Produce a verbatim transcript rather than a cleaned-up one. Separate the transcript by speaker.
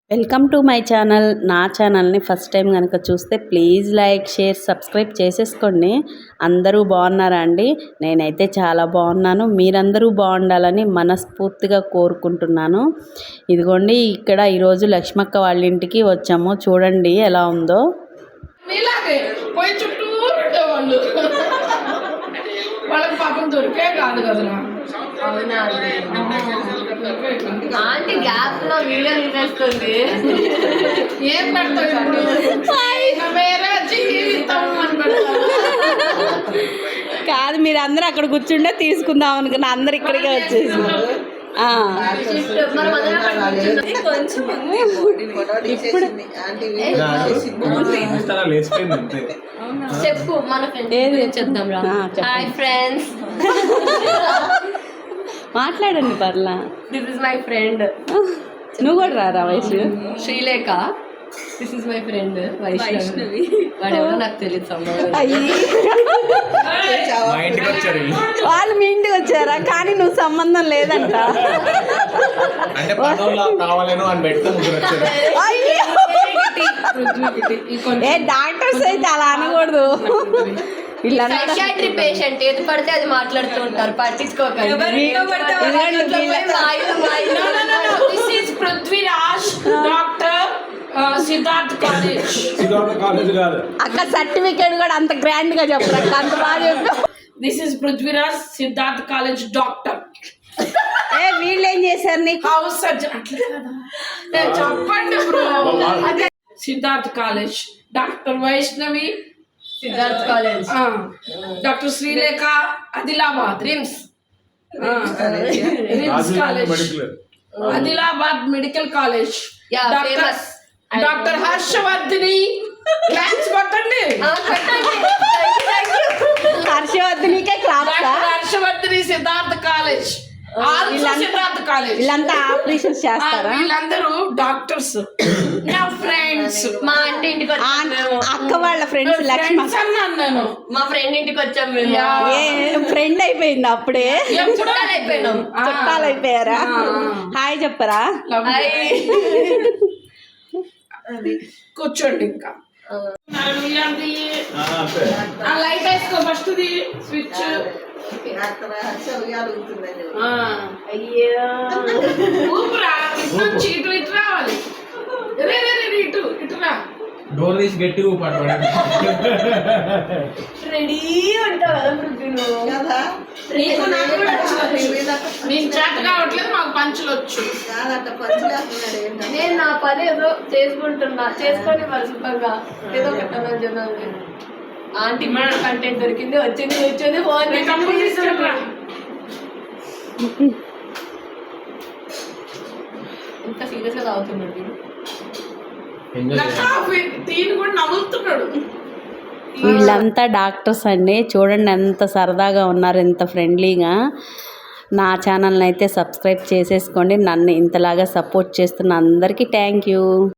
Speaker 1: Welcome to my channel. నా ఛానల్ని first time కనుక చూస్తే ప్లీజ్ లైక్ షేర్ సబ్స్క్రైబ్ చేసేసుకోండి. అందరూ బాగున్నారా అండి? నేనైతే చాలా బాగున్నాను. మీరందరూ బాగుండాలని మనస్ఫూర్తిగా కోరుకుంటున్నాను. ఇదిగోండి, ఇక్కడ ఈరోజు లక్ష్మక్క వాళ్ళ ఇంటికి వచ్చాము. చూడండి ఎలా ఉందో.
Speaker 2: వాళ్ళకి పాపం దొరికే కాదు కదా.
Speaker 3: ఆంటీ గ్యాప్ లో వీడియో తీసేస్తుంది.
Speaker 2: ఏం పెడతాడు వేరే జీవితం అని పెడతాడు.
Speaker 1: కాదు, మీరు అందరూ అక్కడ కూర్చుంటే తీసుకుందాం అనుకున్నా. అందరు ఇక్కడికే వచ్చేసి
Speaker 3: చెప్పు మన ఫ్రెండ్స్ చెప్దాం రా. హాయ్ ఫ్రెండ్స్,
Speaker 1: మాట్లాడండి పర్లా.
Speaker 3: This is my friend.
Speaker 1: నువ్వు కూడా రారా Vaishnavi?
Speaker 3: Srilekha. This is my friend Vaishnavi. వాడెవరో నాకు తెలియదు.
Speaker 1: వాళ్ళు మీ ఇంటికి వచ్చారా? కానీ నువ్వు సంబంధం లేదంట. ఏ డాక్టర్స్ అయితే అలా అనకూడదు.
Speaker 3: సైకియాట్రీ పేషెంట్ ఏది పడితే అది మాట్లాడుతూ ఉంటారు, పట్టించుకోకండి.
Speaker 2: Prithviraj doctor Siddharth college.
Speaker 1: అక్క సర్టిఫికేట్ కూడా అంత గ్రాండ్ గా చెప్పరు, అంత బాగా చెప్పు.
Speaker 2: This is Prithviraj Siddharth college doctor.
Speaker 1: ఏ వీళ్ళు ఏం చేశారు నీకు?
Speaker 2: House surgeon. అట్లా చెప్పండి bro. Siddharth college doctor Vaishnavi.
Speaker 3: Siddharth college
Speaker 2: doctor Srilekha Adilabad.
Speaker 3: RIMS
Speaker 2: RIMS college Adilabad medical college. Doctor Harshavardhini. Claps కొట్టండి.
Speaker 1: హర్షవర్ధినికే claps.
Speaker 2: Harshavardhini Siddhartha college. Siddhartha college.
Speaker 1: వీళ్ళంతా ఆపరేషన్స్ చేస్తారా?
Speaker 2: వీళ్ళందరూ డాక్టర్స్. నా ఫ్రెండ్స్.
Speaker 3: మా ఆంటీ ఇంటికి వచ్చాము.
Speaker 1: అక్క వాళ్ళ ఫ్రెండ్స్. లక్ష్మ
Speaker 2: అన్నాను.
Speaker 3: మా ఫ్రెండ్ ఇంటికి వచ్చాము.
Speaker 1: ఫ్రెండ్ అయిపోయింది అప్పుడే.
Speaker 3: చుట్టాలు అయిపోయినాం.
Speaker 1: చుట్టాలు అయిపోయారా? హాయ్ చెప్పరా?
Speaker 2: కూర్చోండి. ఇంకా లైట్ వేసుకో ఫస్ట్ స్విచ్. ఊపురా. ఇటు ఇటు రావాలి. ఇటు ఇటు రా.
Speaker 4: డోర్ తీసి గట్టి ఊపాడు.
Speaker 3: రెడీ ఉంటావు కదా.
Speaker 2: నేను చేత కావట్లేదు, మాకు పంచులు వచ్చు.
Speaker 3: నేను నా పని ఏదో చేసుకుంటున్నా, చేసుకొని మరసుకంగా ఏదో పెట్టమని చెప్పాను. ఆంటీ మన కంటెంట్ దొరికింది, వచ్చింది కూర్చొని ఫోన్ ఇంత సీరియస్ గా తాగుతున్నాడు.
Speaker 1: వీళ్ళంతా డాక్టర్స్ అండి. చూడండి ఎంత సరదాగా ఉన్నారు, ఎంత ఫ్రెండ్లీగా. నా ఛానల్ని అయితే సబ్స్క్రైబ్ చేసేసుకోండి. నన్ను ఇంతలాగా సపోర్ట్ చేస్తున్న అందరికీ థ్యాంక్ యూ.